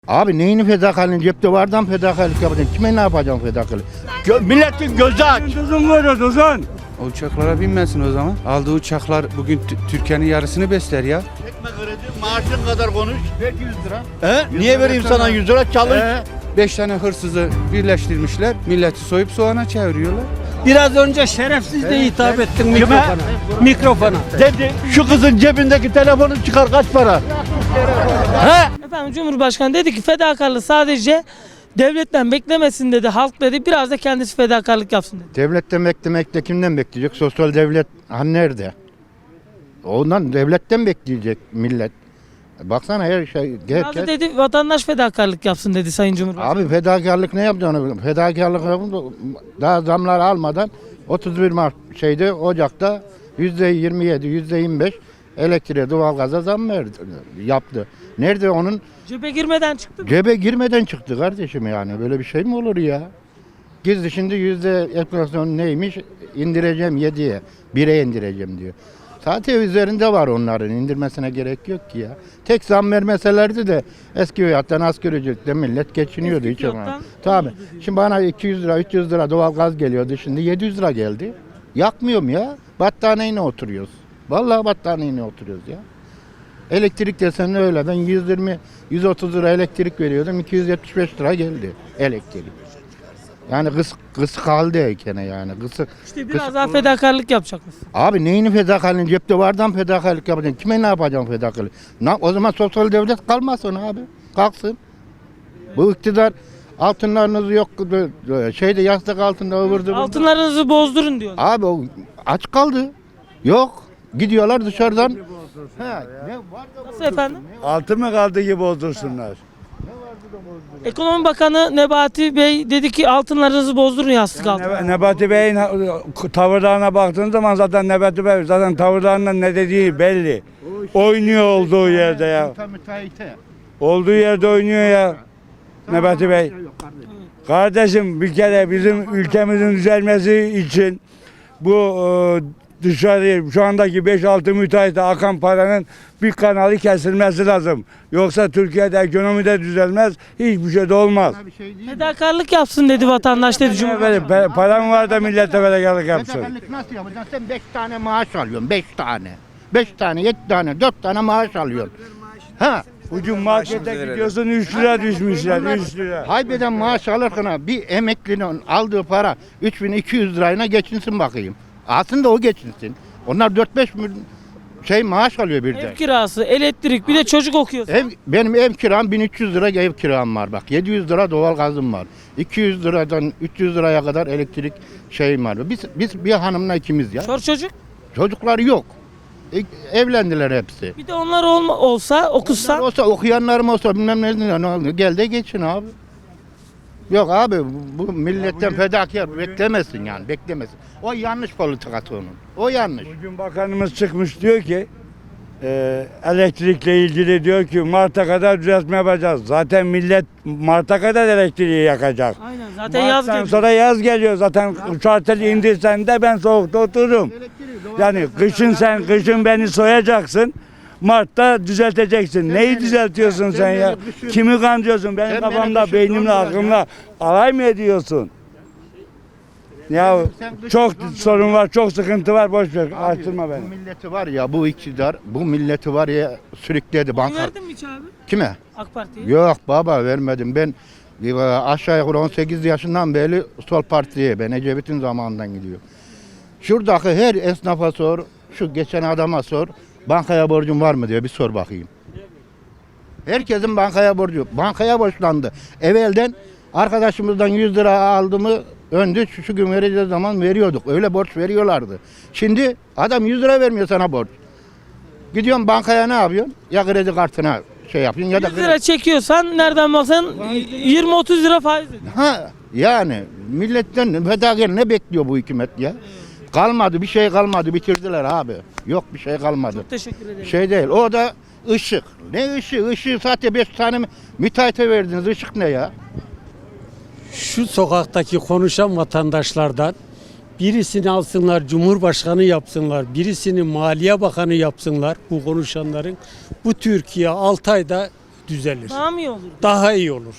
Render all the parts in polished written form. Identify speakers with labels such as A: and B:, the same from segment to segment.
A: Abi neyini fedakarlığın cepte vardan fedakarlık yapacaksın. Kime ne yapacaksın fedakarlık?
B: Milletin gözü aç.
C: Tuzun var ya tuzun.
D: O uçaklara binmesin o zaman. Aldığı uçaklar bugün Türkiye'nin yarısını besler ya.
B: Çekme kredi, maaşın kadar konuş. Ver 100 lira. He? Niye vereyim sana 100 lira? Çalış.
D: 5 tane hırsızı birleştirmişler. Milleti soyup soğana çeviriyorlar.
C: Biraz önce şerefsiz de hitap ettin mikrofona. Mikrofona.
B: Dedi şu kızın cebindeki telefonu çıkar kaç para? He?
E: Efendim Cumhurbaşkanı dedi ki fedakarlığı sadece devletten beklemesin dedi. Halk dedi biraz da kendisi fedakarlık yapsın dedi.
A: Devletten beklemekte kimden bekleyecek? Sosyal devlet hani nerede? Ondan devletten bekleyecek millet. Baksana her şey.
E: Biraz da dedi vatandaş fedakarlık yapsın dedi Sayın Cumhurbaşkanı.
A: Abi fedakarlık ne yapacaksın? Fedakarlık daha zamlar almadan 31 Mart Ocak'ta %27, %25 elektriğe, doğalgaza zam yaptı. Nerede onun?
E: Cebe girmeden çıktı.
A: Cebe girmeden çıktı kardeşim yani. Böyle bir şey mi olur ya? Gizli şimdi enflasyon neymiş? İndireceğim 7'ye, 1'e indireceğim diyor. Zaten üzerinde var onların. İndirmesine gerek yok ki ya. Tek zam vermeselerdi de eski fiyattan asgari ücretle millet geçiniyordu.
E: Eski
A: Hiç ama.
E: fiyattan
A: Tabii.
E: iyiydi diyor.
A: Şimdi bana 200 lira, 300 lira doğalgaz geliyordu. Şimdi 700 lira geldi. Yakmıyorum ya. Battaniyeyle oturuyoruz. Vallahi battaniyeyle oturuyoruz ya. Elektrik desen öyle. Ben 120, 130 lira elektrik veriyordum. 275 lira geldi elektrik. Yani kıs kaldıyken yani.
E: İşte biraz daha fedakarlık yapacak mısın?
A: Abi neyini fedakarlığın cepte vardan fedakarlık yapacaksın. Kime ne yapacaksın fedakarlık? O zaman sosyal devlet kalmasın abi. Kalksın. Bu iktidar altınlarınız yok. Yastık altında ıvırdı.
E: Altınlarınızı bozdurun diyor.
A: Abi o aç kaldı. Yok. Gidiyorlar dışarıdan.
E: Nasıl efendim?
C: Altı mı kaldı gibi bozdursunlar.
E: Ekonomi Bakanı Nebati Bey dedi ki altınlarınızı bozdurun yastık altına.
C: Nebati Bey'in tavırlarına baktığın zaman zaten Nebati Bey zaten tavırlarından ne dediği belli. Oynuyor olduğu yerde ya. Olduğu yerde oynuyor ya. Nebati Bey. Kardeşim bir kere bizim ülkemizin düzelmesi için bu dışarı şu andaki 5-6 müteahhite akan paranın bir kanalı kesilmesi lazım. Yoksa Türkiye'de ekonomi de düzelmez, hiçbir şey de olmaz.
E: Fedakarlık yapsın dedi vatandaş dedi Cumhurbaşkanı.
C: Param var da millete fedakarlık yapsın.
A: Fedakarlık nasıl yapacaksın? Sen 5 tane maaş alıyorsun. 5 tane. 5 tane, 7 tane, 4 tane maaş alıyorsun. Ha.
C: Bugün markete gidiyorsun 3 lira düşmüşler 3 lira.
A: Haybeden maaş alırken bir emeklinin aldığı para 3200 lirayla geçinsin bakayım. Aslında o geçinsin. Onlar 4-5 maaş alıyor bir de.
E: Ev kirası, elektrik bir de çocuk okuyor.
A: Benim ev kiram 1300 lira ev kiram var bak. 700 lira doğal gazım var. 200 liradan 300 liraya kadar elektrik var. Biz bir hanımla ikimiz ya.
E: Çocuk.
A: Çocukları yok. Evlendiler hepsi.
E: Bir de onlar olsa okusa.
A: Onlar olsa okuyanlarım olsa bilmem ne oldu. Gel de geçin abi. Yok abi bu milletten fedakar beklemesin yani beklemesin. O yanlış politikası onun. O yanlış.
C: Bugün bakanımız çıkmış diyor ki elektrikle ilgili diyor ki Mart'a kadar düzeltme yapacağız. Zaten millet Mart'a kadar elektriği yakacak.
E: Aynen zaten yaz
C: Mart'tan
E: geliyor.
C: sonra yaz geliyor. Zaten uçartel indirsen de ben soğukta otururum. Yani kışın beni soyacaksın. Mart'ta düzelteceksin. Neyi düzeltiyorsun sen ya? Kimi kandırıyorsun? Benim kafamda, beynimle, aklımla alay mı ediyorsun? Ya çok sorun var, çok sıkıntı var. Boş ver, açtırma beni.
A: Bu milleti var ya bu iktidar bu milleti var ya sürükledi
E: Oy
A: banka.
E: verdin mi hiç abi?
A: Kime?
E: AK Parti'ye.
A: Yok baba vermedim. Ben aşağı yukarı 18 yaşından beri sol partiye ben Ecevit'in zamanından gidiyor. Şuradaki her esnafa sor, şu geçen adama sor. Bankaya borcun var mı diye bir sor bakayım. Herkesin bankaya borcu. Bankaya borçlandı. Evvelden arkadaşımızdan 100 lira aldı mı öndü şu gün vereceğiz zaman veriyorduk. Öyle borç veriyorlardı. Şimdi adam 100 lira vermiyor sana borç. Gidiyorsun bankaya ne yapıyorsun? Ya kredi kartına yapıyorsun ya da
E: 100 lira çekiyorsan nereden baksan 20-30 lira faiz ödüyor.
A: Ha yani milletten fedakar ne bekliyor bu hükümet ya? Kalmadı bir şey kalmadı bitirdiler abi. Yok bir şey kalmadı.
E: Çok teşekkür ederim.
A: Şey değil o da ışık. Ne ışığı? Işığı zaten 5 tane müteahhite verdiniz. Işık ne ya?
F: Şu sokaktaki konuşan vatandaşlardan birisini alsınlar Cumhurbaşkanı yapsınlar, birisini Maliye Bakanı yapsınlar bu konuşanların. Bu Türkiye 6 ayda düzelir.
E: Daha mı iyi olur?
F: Daha iyi olur.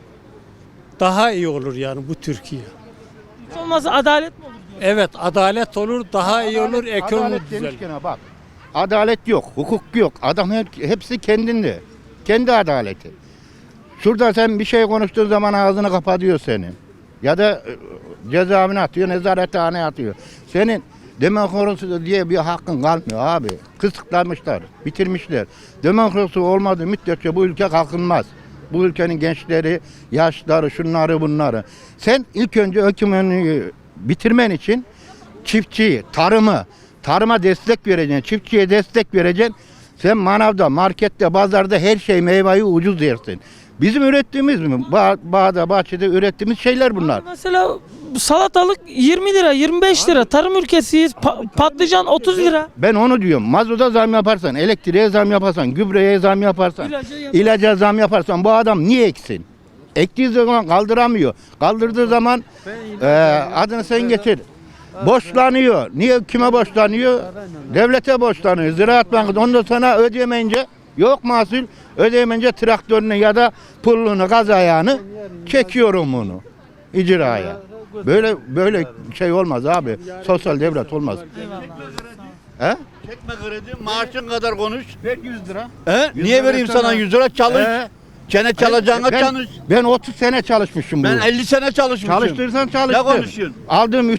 F: Daha iyi olur yani bu Türkiye.
E: Hiç olmazsa adalet mi olur diyor.
F: Evet, adalet olur, daha iyi olur, ekonomi
A: Adalet
F: düzelir.
A: demişken bak. Adalet yok, hukuk yok. Adam hepsi kendinde. Kendi adaleti. Şurada sen bir şey konuştuğun zaman ağzını kapatıyor senin. Ya da cezaevine atıyor, nezarethaneye atıyor. Senin demokrasi diye bir hakkın kalmıyor abi. Kısıtlamışlar, bitirmişler. Demokrasi olmadığı müddetçe bu ülke kalkınmaz. Bu ülkenin gençleri, yaşları, şunları bunları. Sen ilk önce ekonomiyi bitirmen için çiftçiyi, tarıma destek vereceksin, çiftçiye destek vereceksin. Sen manavda, markette, pazarda her şey meyveyi ucuz yersin. Bizim ürettiğimiz mi? Bağda, bahçede ürettiğimiz şeyler bunlar.
E: Mesela salatalık 20 lira, 25 lira. Tarım ülkesiyiz. Patlıcan 30 lira.
A: Ben onu diyorum. Mazota zam yaparsan, elektriğe zam yaparsan, gübreye zam yaparsan, ilaca zam yaparsan bu adam niye eksin? Ektiği zaman kaldıramıyor. Kaldırdığı zaman adını sen getir. Borçlanıyor. Niye kime borçlanıyor? Devlete borçlanıyor. Ziraat Bankası. Ondan sonra ödeyemeyince yok mahsul. Ödeyemeyince traktörünü ya da pullunu, gaz ayağını çekiyorum bunu icraya. Böyle şey olmaz abi. Sosyal devlet olmaz. He?
B: Çekme kredi, maaşın kadar konuş.
A: Ver 100 lira.
B: Niye vereyim sana 100 lira? Çalış. Çene çalacağına çalış.
A: Ben 30 sene çalışmışım
B: Ben
A: bu.
B: 50 sene çalışmışım.
A: Çalıştırsan çalıştır.
B: Ne konuşuyorsun?
A: Aldığım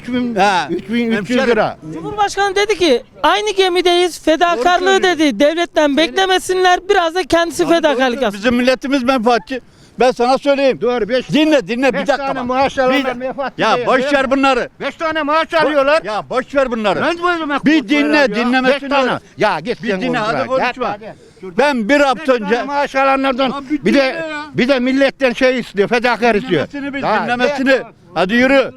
A: 3300 lira.
E: Cumhurbaşkanı dedi ki aynı gemideyiz. Fedakarlığı dedi. Devletten beklemesinler. Biraz da kendisi fedakarlık yapsın.
B: Bizim milletimiz menfaatçi. Ben sana söyleyeyim.
A: Doğru 5
B: Dinle bir dakika
A: tane
B: bak.
A: maaş alanlar menfaatçi
B: Ya
A: değil,
B: boş
A: değil
B: ver
A: mi?
B: bunları.
A: 5 tane maaş alıyorlar.
B: Ya boş ver bunları.
A: Ben böyle
B: Bir dinle, dinlemesini
A: Beş tane.
B: öğren.
A: Ya git
B: Bir
A: sen
B: dinle, hadi
A: konuşma.
B: konuşma.
A: Git, hadi.
B: Ben bir hafta
A: 5 tane
B: önce
A: maaş alanlardan
B: Ya bir
A: bir de
B: dinle ya.
A: bir de milletten şey istiyor, fedakar istiyor.
B: dinlemesini bil,
A: Ya,
B: dinlemesini. Hadi yürü.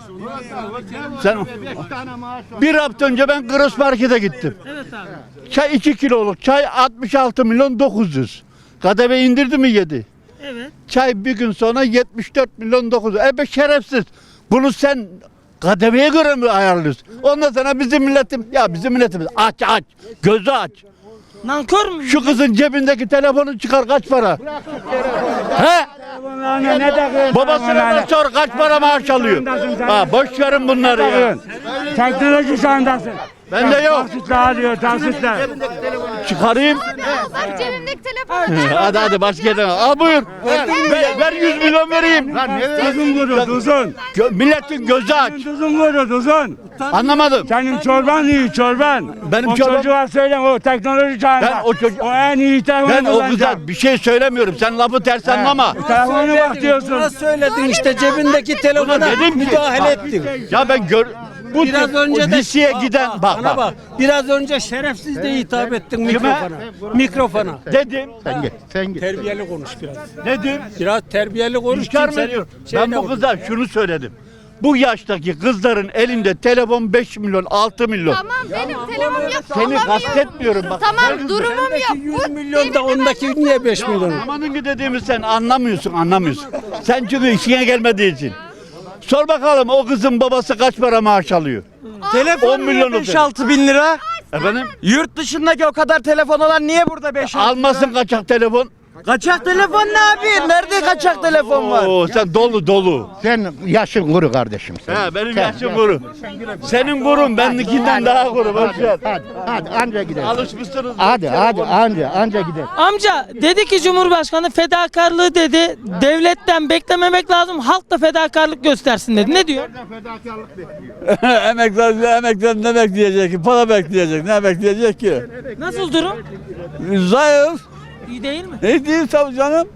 B: Sen
A: 5 tane maaş var.
B: bir hafta önce ben Gross Market'e gittim.
E: Evet abi.
B: Çay 2 kiloluk çay 66 milyon 900. KDV indirdi mi yedi?
E: Evet.
B: Çay bir gün sonra 74 milyon 900. Be şerefsiz. Bunu sen KDV'ye göre mi ayarlıyorsun? Ondan sonra bizim milletimiz aç. Gözü aç.
E: Nankör mü?
B: Şu kızın cebindeki telefonu çıkar kaç para? He? Babasına sor kaç para maaş alıyor? Ha, boş verin bunları ya.
C: Teknoloji çağındasın.
B: Bende yok.
C: Taksitler diyor, taksitler.
B: Çıkarayım.
G: Bak cebimdeki telefonu.
B: Hadi başka yerden al buyur. Ver 100 milyon vereyim.
C: Tuzun kuru, tuzun.
B: Milletin gözü aç.
C: Tuzun kuru, tuzun.
B: Anlamadım.
C: Senin çorban iyi, çorban.
B: Benim
C: o
B: çorbam-
C: çocuğa söylen, o teknoloji çağında.
B: Ben o çocuğa-
C: O en iyi telefonu
B: Ben o
C: kullanacak.
B: kıza bir şey söylemiyorum. Sen lafı ters anlama.
C: Telefonu bak diyorsun.
F: Buna söyledin işte cebindeki telefona
B: dedim ki-
F: müdahale ettin.
B: Ya ben
F: Biraz önce de
B: liseye giden
F: bana bak. Biraz önce şerefsiz de hitap ettin mikrofona. Mikrofona.
B: dedim.
A: Sen git.
F: Terbiyeli konuş biraz.
B: Dedim.
F: Biraz terbiyeli konuş.
B: İnkar mı
F: kimsenin
B: ediyorum?
F: şeyine
B: Ben bu kıza şunu söyledim. Bu yaştaki kızların elinde telefon 5 milyon 6 milyon.
G: Tamam benim telefonum yok.
B: Seni
G: alamıyorum.
B: kastetmiyorum bak.
G: Tamam durumum yok.
F: 100 milyon da ondaki niye 5 milyon?
B: Amanın ki dediğimi sen anlamıyorsun. Sen çünkü işine gelmediği için. Sor bakalım o kızın babası kaç para maaş alıyor? 10 milyon
H: 5-6 bin lira.
B: Efendim?
H: Yurt dışındaki o kadar telefon olan niye burada 5-6
B: Almasın kaçak telefon.
H: Kaçak telefon ne abi? Nerede kaçak telefon var?
B: Oo, sen dolu.
A: Sen yaşın kuru kardeşim sen.
B: He benim yaşım kuru. Senin kurun benimkinden daha kuru. Boş ver.
A: Hadi anca gidelim.
B: Alışmışsınız.
A: Hadi anca gidelim.
E: Amca dedi ki Cumhurbaşkanı fedakarlığı dedi. Devletten beklememek lazım. Halk da fedakarlık göstersin dedi. Ne diyor?
I: Emekler ne bekleyecek ki? Para bekleyecek. Ne bekleyecek ki?
E: Nasıl durum?
I: Zayıf.
E: İyi değil mi?
I: Ne değil tabii canım.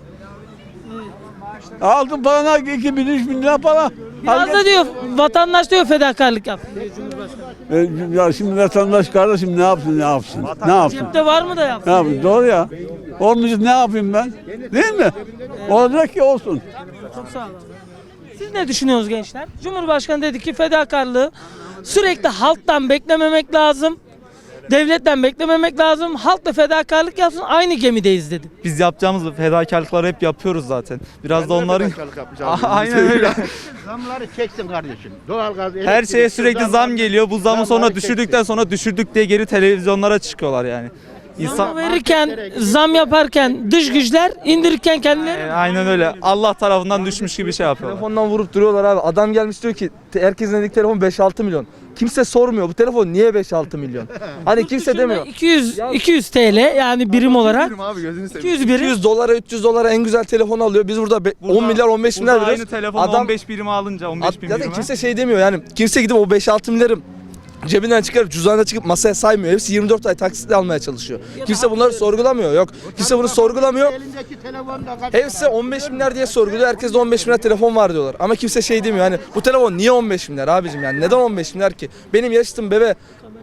I: Aldın parana 2.000-3.000 lira para.
E: Biraz da diyor vatandaş diyor fedakarlık yap.
I: Ya şimdi vatandaş kardeşim ne yapsın?
E: Cepte var mı da yap?
I: Ne yapsın? Doğru ya. Olmayacak ne yapayım ben? Değil mi? Olacak ki olsun.
E: Çok sağ olun. Siz ne düşünüyorsunuz gençler? Cumhurbaşkanı dedi ki fedakarlığı sürekli halktan beklememek lazım. Devletten beklememek lazım. Halk da fedakarlık yapsın. Aynı gemideyiz dedi.
J: Biz yapacağımız fedakarlıkları hep yapıyoruz zaten. Biraz da onların aynen öyle.
A: Zamları çeksin kardeşim. Doğalgaz,
J: Her
A: elektrik,
J: şeye sürekli zam geliyor. Bu zamı sonra
A: Zamları
J: düşürdükten sonra düşürdük diye geri televizyonlara çıkıyorlar yani. İnsan
E: Verirken, zam yaparken dış güçler, indirirken kendileri.
J: aynen öyle. Allah tarafından düşmüş gibi şey yapıyorlar.
H: Telefondan vurup duruyorlar abi. Adam gelmiş diyor ki herkesin elindeki telefon 5-6 milyon. Kimse sormuyor bu telefon niye 5-6 milyon? Hani kimse demiyor.
E: 200 TL yani birim olarak. 200 birim.
H: 200 dolara 300 dolara en güzel telefonu alıyor. Biz burada 10 milyar 15 milyar
J: Burada aynı
H: veriyoruz.
J: telefon
H: Adam
J: 15 birime alınca 15 bin
H: zaten
J: birime.
H: kimse şey demiyor yani. Kimse gidip o 5-6 milyarı cebinden çıkarıp cüzdanına çıkıp masaya saymıyor. Hepsi 24 ay taksitle almaya çalışıyor. Kimse bunları sorgulamıyor. Yok. Kimse bunu sorgulamıyor.
A: Elindeki telefonda kaç
H: Hepsi 15 milyar diye sorguluyor. Herkes de 15 milyar telefon var diyorlar. Ama kimse şey demiyor hani bu telefon niye 15 milyar abicim yani neden 15 milyar ki? Benim yaşıtım bebe.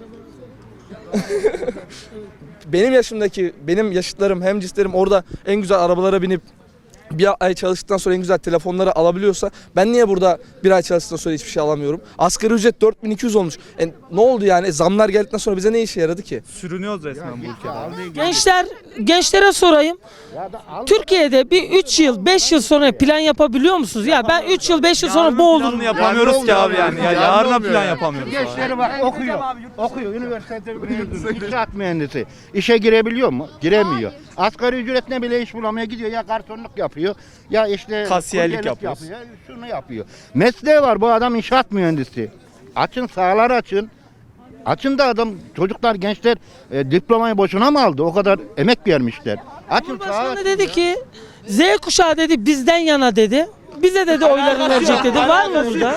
H: Benim yaşıtlarım hemcinslerim orada en güzel arabalara binip bir ay çalıştıktan sonra en güzel telefonları alabiliyorsa ben niye burada bir ay çalıştıktan sonra hiçbir şey alamıyorum? Asgari ücret 4200 olmuş. Ne oldu yani? Zamlar geldikten sonra bize ne işe yaradı ki?
J: Sürünüyoruz resmen bu ülkede.
E: Gençlere sorayım. Türkiye'de bir 3 yıl, 5 yıl sonra plan yapabiliyor musunuz? Ya ben 3 yıl, 5 yıl sonra bu olurum.
J: Planını yapamıyoruz ki abi yani. Ya yarına plan yapamıyoruz. abi.
A: gençleri var okuyor üniversitede mezun, inşaat mühendisi. İşe girebiliyor mu? Giremiyor. Asgari ücretine bile iş bulamıyor, gidiyor ya garsonluk yapıyor ya işte
J: Kasiyerlik
A: kuryelik
J: yapıyoruz.
A: yapıyor, şunu yapıyor. Mesleği var bu adam inşaat mühendisi. Açın sahaları açın. Açın da adam çocuklar gençler diplomayı boşuna mı aldı? O kadar emek vermişler. Açın sahaları.
E: Cumhurbaşkanı dedi ki Z kuşağı dedi bizden yana dedi. Bize dedi oylarını verecek dedi. Var mı burada?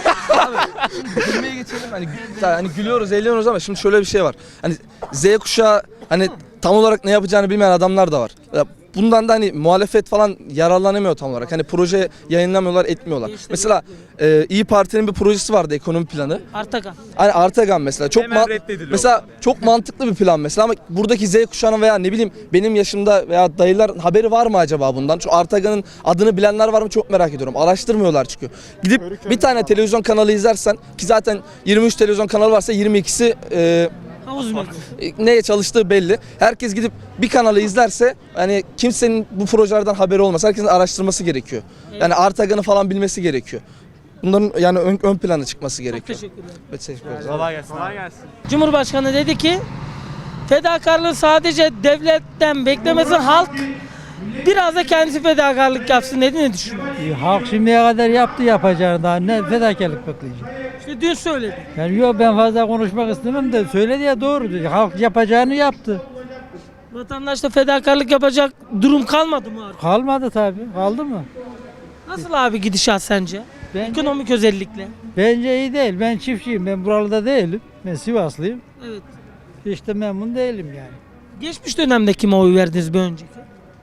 H: Gülmeye geçelim hani gülüyoruz eğleniyoruz ama şimdi şöyle bir şey var. Hani Z kuşağı hani tam olarak ne yapacağını bilmeyen adamlar da var. Ya bundan da hani muhalefet falan yararlanamıyor tam olarak. Hani proje yayınlamıyorlar, etmiyorlar. Mesela İyi Parti'nin bir projesi vardı ekonomi planı.
E: Artakan.
H: Hani Artagan mesela çok
J: Hemen reddediliyor.
H: mesela çok mantıklı bir plan mesela ama buradaki Z kuşağının veya ne bileyim benim yaşımda veya dayılar haberi var mı acaba bundan? Şu Artagan'ın adını bilenler var mı çok merak ediyorum. Araştırmıyorlar çünkü. Gidip bir tane televizyon kanalı izlersen ki zaten 23 televizyon kanalı varsa 22'si
E: Havuz mu?
H: neye çalıştığı belli. Herkes gidip bir kanalı izlerse hani kimsenin bu projelerden haberi olmaz. Herkesin araştırması gerekiyor. Yani Artagan'ı falan bilmesi gerekiyor. Bunların yani ön plana çıkması gerekiyor.
E: Teşekkürler.
H: Evet, teşekkür ederim.
J: Kolay gelsin. Kolay gelsin.
E: Cumhurbaşkanı dedi ki fedakarlığı sadece devletten beklemesin halk biraz da kendisi fedakarlık yapsın dedi. Ne düşünüyorsun?
F: Halk şimdiye kadar yaptı yapacağını daha ne fedakarlık bekleyecek.
E: İşte dün söyledi.
F: Yani yok ben fazla konuşmak istemem de söyledi ya doğru. Halk yapacağını yaptı.
E: Vatandaşta fedakarlık yapacak durum kalmadı mı artık?
F: Kalmadı tabii. Kaldı mı?
E: Nasıl abi gidişat sence? Ekonomik özellikle.
F: Bence iyi değil. Ben çiftçiyim. Ben buralarda değilim. Ben Sivaslıyım.
E: Evet.
F: Hiç de memnun değilim yani.
E: Geçmiş dönemde kime oy verdiniz bir önceki?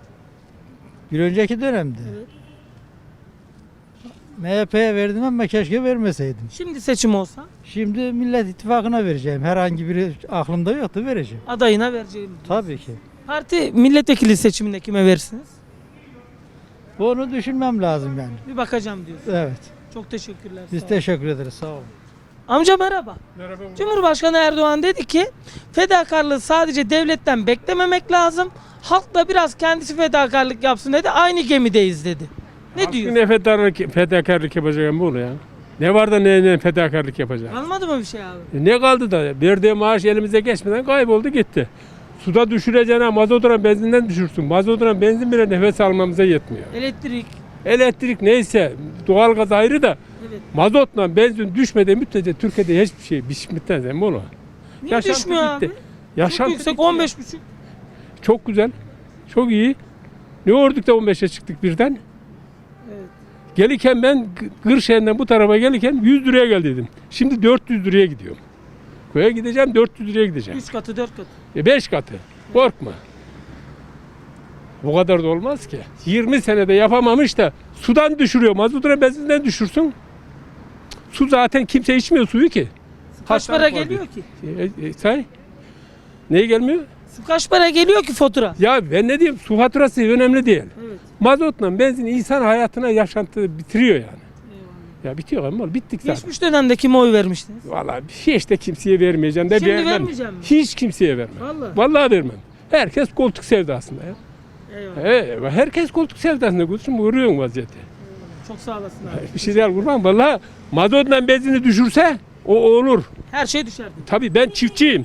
F: Bir önceki dönemde. MHP'ye verdim ama keşke vermeseydim.
E: Şimdi seçim olsa
F: Şimdi Millet İttifakı'na vereceğim. Herhangi biri aklımda yoktu vereceğim.
E: adayına vereceğim.
F: Tabii ki.
E: Parti milletvekili seçiminde kime verirsiniz?
F: Bunu düşünmem lazım yani.
E: Bir bakacağım diyorsun.
F: Evet.
E: Çok teşekkürler.
F: Biz
E: sağ olun.
F: teşekkür ederiz. Sağ olun.
E: Amca merhaba. Merhaba. Cumhurbaşkanı Erdoğan dedi ki fedakarlığı sadece devletten beklememek lazım. Halk da biraz kendisi fedakarlık yapsın dedi. Aynı gemideyiz dedi. Ne diyor?
K: Ne fedakarlık yapacağım bu ya? Ne var da ne fedakarlık yapacağım?
E: Kalmadı mı bir şey abi?
K: Ne kaldı da verdiği maaş elimize geçmeden kayboldu gitti. Suda düşüreceğine mazotuna benzinden düşürsün. Mazotuna benzin bile nefes almamıza yetmiyor. Elektrik neyse doğalgaz ayrı da
E: Evet.
K: mazotla benzin düşmediği müddetçe Türkiye'de hiçbir şey bitmez mi bunu?
E: Niye
K: Yaşantı
E: düşmüyor
K: bitti.
E: abi? Çok
K: Yaşantı
E: yüksek
K: bitti ya.
E: 15,5.
K: Çok güzel. Çok iyi. Ne orduk da 15'e çıktık birden?
E: Evet.
K: Gelirken ben Kırşehir'den bu tarafa gelirken 100 liraya gel dedim. Şimdi 400 liraya gidiyorum. Köye gideceğim 400 liraya gideceğim.
E: 3 katı 4 katı.
K: 5 katı. Korkma. Bu kadar da olmaz ki. 20 senede yapamamış da sudan düşürüyor. Mazotuna benzinden düşürsün. Su zaten kimse içmiyor suyu ki.
E: Kaç para geliyor ki?
K: Say. Neye gelmiyor?
E: Su kaç para geliyor ki fatura?
K: Ya ben ne diyeyim su faturası önemli değil.
E: Evet.
K: Mazotla benzin insan hayatına yaşantı bitiriyor yani. Ya bitiyor ama bittik zaten.
E: Geçmiş dönemde kime oy vermiştiniz?
K: Vallahi hiç de kimseye vermeyeceğim de
E: Şimdi
K: vermem.
E: vermeyeceğim mi?
K: Hiç kimseye vermem.
E: Vallahi.
K: Vallahi vermem. Herkes koltuk sevdasında ya.
E: Eyvallah.
K: Herkes koltuk sevdasında kursun vuruyorsun vaziyeti.
E: Çok sağ olasın abi.
K: Bir şey değil kurban. Vallahi mazotla benzini düşürse o olur.
E: Her şey düşerdi.
K: Tabii ben çiftçiyim.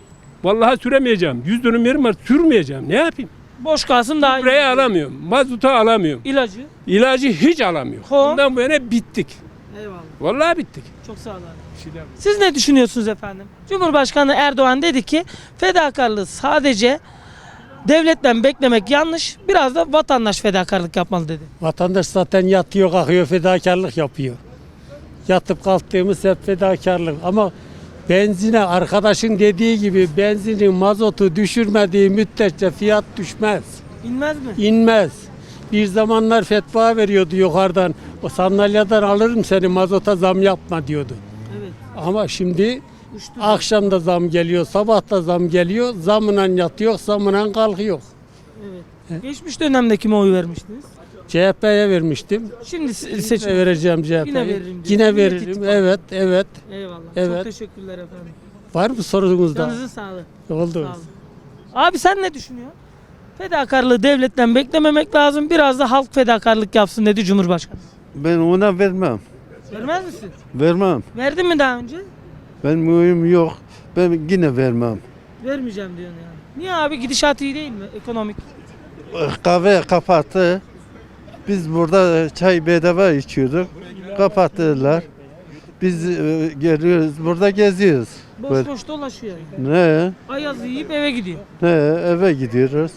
K: Vallahi süremeyeceğim. 100 dönüm yerim var, sürmeyeceğim. Ne yapayım?
E: Boş kalsın daha iyi.
K: Burayı alamıyorum. Mazotu alamıyorum.
E: İlacı.
K: İlacı hiç alamıyorum.
E: Ho.
K: Bundan bu yana bittik.
E: Eyvallah.
K: Vallahi bittik.
E: Çok sağ olun.
K: Bir şey yapayım.
E: Siz ne düşünüyorsunuz efendim? Cumhurbaşkanı Erdoğan dedi ki fedakarlığı sadece devletten beklemek yanlış. Biraz da vatandaş fedakarlık yapmalı dedi.
F: Vatandaş zaten yatıyor kalkıyor fedakarlık yapıyor. Yatıp kalktığımız hep fedakarlık ama benzine arkadaşın dediği gibi benzinin mazotu düşürmediği müddetçe fiyat düşmez.
E: İnmez mi?
F: İnmez. Bir zamanlar fetva veriyordu yukarıdan. O sandalyeden alırım seni mazota zam yapma diyordu.
E: Evet.
F: Ama şimdi
E: Uçtu.
F: akşam da zam geliyor, sabah da zam geliyor. Zamla yatıyor, zamla kalkıyor.
E: Evet. Geçmiş dönemde kime oy vermiştiniz?
F: CHP'ye vermiştim.
E: Şimdi
F: Yine
E: seçim.
F: vereceğim CHP'ye.
E: Yine veririm diyor.
F: Yine
E: Millet
F: veririm.
E: İttifakı.
F: Evet, evet.
E: Eyvallah.
F: Evet.
E: Çok teşekkürler efendim.
F: Var mı sorunuz daha?
E: Canınızın sağlığı.
F: Oldu.
E: Sağ olun. Abi sen ne düşünüyorsun? Fedakarlığı devletten beklememek lazım. Biraz da halk fedakarlık yapsın dedi Cumhurbaşkanı.
I: Ben ona vermem.
E: Vermez misin?
I: Vermem.
E: Verdin mi daha önce?
I: Benim uyum yok. Ben yine vermem.
E: Vermeyeceğim diyorsun yani. Niye abi gidişat iyi değil mi ekonomik?
I: Kahve kapattı. Biz burada çay bedava içiyorduk. Kapattılar. Biz geliyoruz, burada geziyoruz.
E: Boş
I: Böyle.
E: boş dolaşıyor.
I: Ne?
E: Ayaz yiyip eve gidiyor.
I: Ne? Eve gidiyoruz.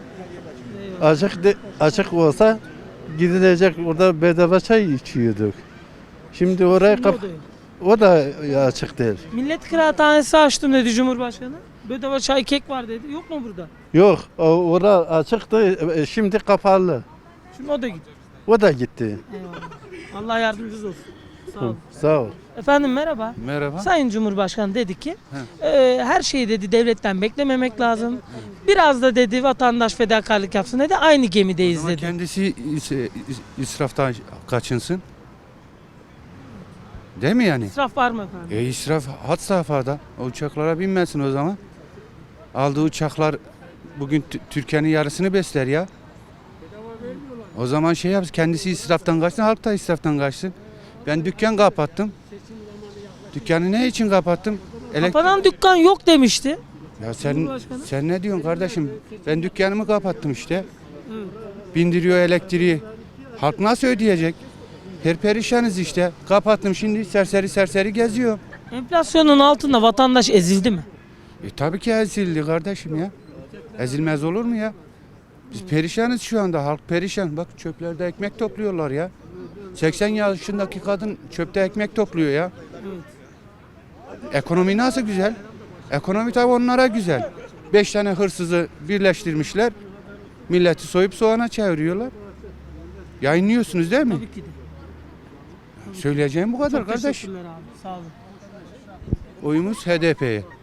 I: Açık olsa gidilecek, burada bedava çay içiyorduk. Şimdi oraya
E: Şimdi o da yok.
I: o da açık değil.
E: Millet kıraathanesi açtım dedi Cumhurbaşkanı. Bedava çay kek var dedi. Yok mu burada?
I: Yok, orada açıktı. Şimdi kapalı.
E: Şimdi o da gidiyor.
I: O da gitti.
E: Eyvallah. Allah yardımcınız olsun. Sağ olun.
I: Sağ ol.
E: Efendim merhaba.
D: Merhaba.
E: Sayın Cumhurbaşkanı dedi ki her şeyi dedi devletten beklememek lazım. Biraz da dedi vatandaş fedakarlık yapsın dedi. Aynı gemideyiz
D: Ama
E: dedi.
D: kendisi israftan kaçınsın. Değil mi yani?
E: İsraf var mı efendim?
D: İsraf had safhada. O uçaklara binmesin o zaman. Aldığı uçaklar bugün Türkiye'nin yarısını besler ya. O zaman şey yapsın, kendisi israftan kaçsın, halk da israftan kaçsın. Ben dükkan kapattım. Dükkanı ne için kapattım?
E: Kapanan dükkan yok demişti.
D: Ya
E: Cumhurbaşkanı.
D: sen ne diyorsun kardeşim? Ben dükkanımı kapattım işte. Bindiriyor elektriği. Halk nasıl ödeyecek? Perişanız işte. Kapattım, şimdi serseri geziyor.
E: Enflasyonun altında vatandaş ezildi mi?
D: Tabii ki ezildi kardeşim ya. Ezilmez olur mu ya? Biz perişanız şu anda. Halk perişan. Bak çöplerde ekmek topluyorlar ya. 80 yaşındaki kadın çöpte ekmek topluyor ya. Ekonomi nasıl güzel? Ekonomi tabii onlara güzel. 5 tane hırsızı birleştirmişler. Milleti soyup soğana çeviriyorlar. Yayınlıyorsunuz değil mi?
E: Tabii ki de.
D: Söyleyeceğim bu kadar
E: Çok
D: kardeş.
E: teşekkürler abi. Sağ olun.
D: Oyumuz HDP'ye.